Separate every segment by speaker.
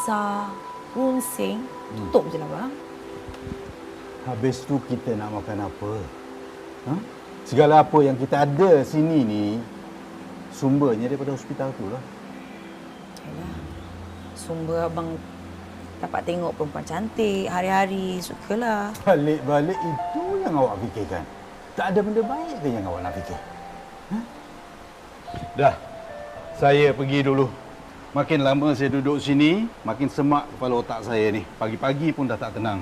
Speaker 1: besar, runsing, tutup je lah bang.
Speaker 2: Habis tu kita nak makan apa? Ha? Segala apa yang kita ada sini ni, sumbernya daripada hospital tu lah.
Speaker 1: Yalah. Sumber abang dapat tengok perempuan cantik hari-hari, sukalah.
Speaker 2: Balik-balik itu yang awak fikirkan. Tak ada benda baik ke yang awak nak fikir? Ha? Dah, saya pergi dulu. Makin lama saya duduk sini, makin semak kepala otak saya ni. Pagi-pagi pun dah tak tenang.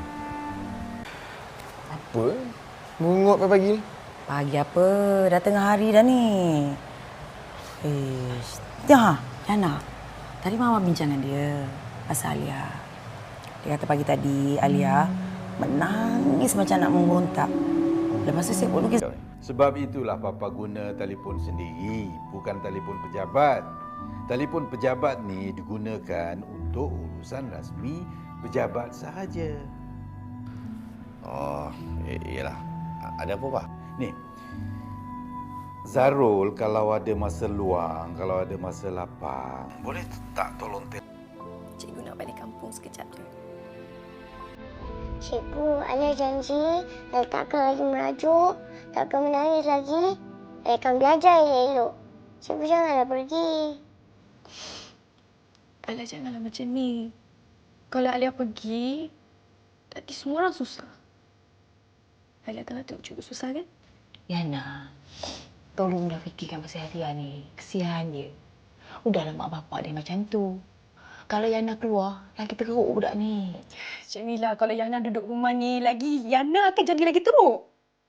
Speaker 3: Apa? Mengungut pagi ni?
Speaker 1: Pagi apa? Dah tengah hari dah ni. Ya, Yana. Tadi Mama bincang dengan dia pasal Alia. Dia kata pagi tadi Alia menangis macam nak memberontak. Lepas tu saya pun lukis.
Speaker 2: Sebab itulah Papa guna telefon sendiri, bukan telefon pejabat. Telefon pejabat ni digunakan untuk urusan rasmi pejabat sahaja.
Speaker 4: Oh, iyalah. Ada apa, Pak?
Speaker 2: Ni, Zarul kalau ada masa luang, kalau ada masa lapang, boleh tak tolong
Speaker 5: Cikgu nak balik kampung sekejap je.
Speaker 6: Cikgu, Alia janji Alia takkan lagi merajuk, takkan menangis lagi. Alia akan belajar elok. Cikgu janganlah pergi.
Speaker 5: Alia janganlah macam ni. Kalau Alia pergi, nanti semua orang susah. Alia tengah tengok cikgu susah kan?
Speaker 7: Yana, tolonglah fikirkan pasal Alia ni. Kesian dia. Udahlah mak bapak dia macam tu. Kalau Yana keluar, lagi teruk budak ni.
Speaker 5: Cik Mila, kalau Yana duduk rumah ni lagi, Yana akan jadi lagi teruk.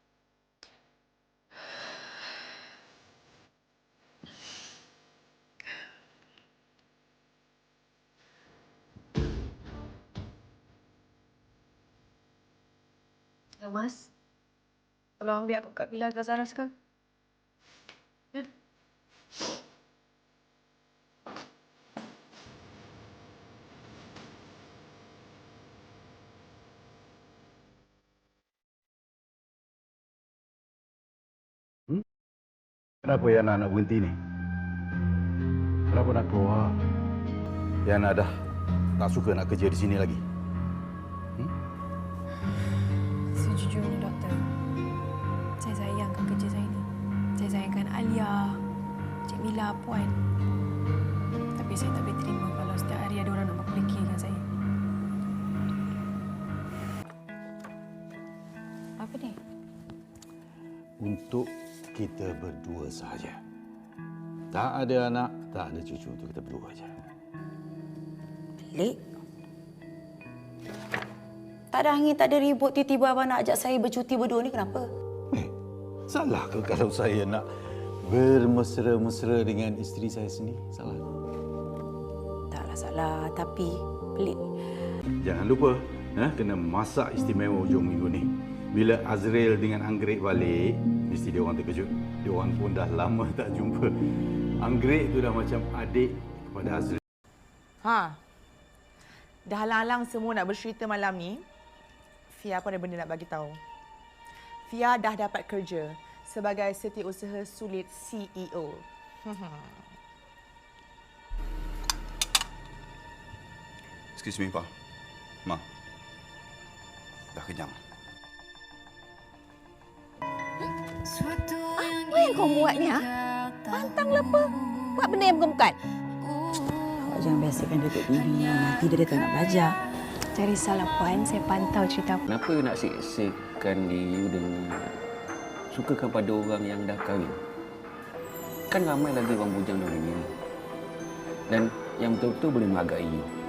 Speaker 5: Ya, Mas. Tolong ambil aku Kak Mila ke Zara sekarang. Ya.
Speaker 2: Kenapa Yana nak berhenti ni? Kenapa nak keluar? Yana dah tak suka nak kerja di sini lagi.
Speaker 5: Sejujurnya, Doktor, saya sayangkan kerja saya ni. Saya sayangkan Alia, Cik Mila, Puan. Tapi saya tak boleh terima kalau setiap hari ada orang nak memperkirakan saya.
Speaker 1: Apa ni?
Speaker 2: Untuk kita berdua sahaja. Tak ada anak, tak ada cucu, untuk kita berdua saja.
Speaker 1: Pelik. Tak ada angin, tak ada ribut. Tiba-tiba abang nak ajak saya bercuti berdua ni kenapa?
Speaker 2: Salah ke kalau saya nak bermesra-mesra dengan isteri saya sendiri? Salah?
Speaker 1: Taklah salah, tapi pelik.
Speaker 2: Jangan lupa, kena masak istimewa hujung minggu ni. Bila Azril dengan Anggrek balik, mesti dia orang terkejut. Dia orang pun dah lama tak jumpa. Anggrek tu dah macam adik kepada Azril.
Speaker 8: Dah halang-halang semua nak bercerita malam ni. Fia pun ada benda nak bagi tahu. Fia dah dapat kerja sebagai setiausaha sulit CEO.
Speaker 4: Excuse me, Pak. Ma. Dah kenyang.
Speaker 7: Apa yang kau buat ni, ha? Pantang apa? Buat benda yang bukan-bukan.
Speaker 1: Awak jangan biasakan dia duduk TV. Nanti dia tak nak belajar.
Speaker 5: Cari salah Puan, saya pantau cerita.
Speaker 9: Kenapa nak seksakan diri dengan sukakan pada orang yang dah kahwin? Kan ramai lagi orang bujang di dunia ni. Dan yang betul-betul boleh menghargai you.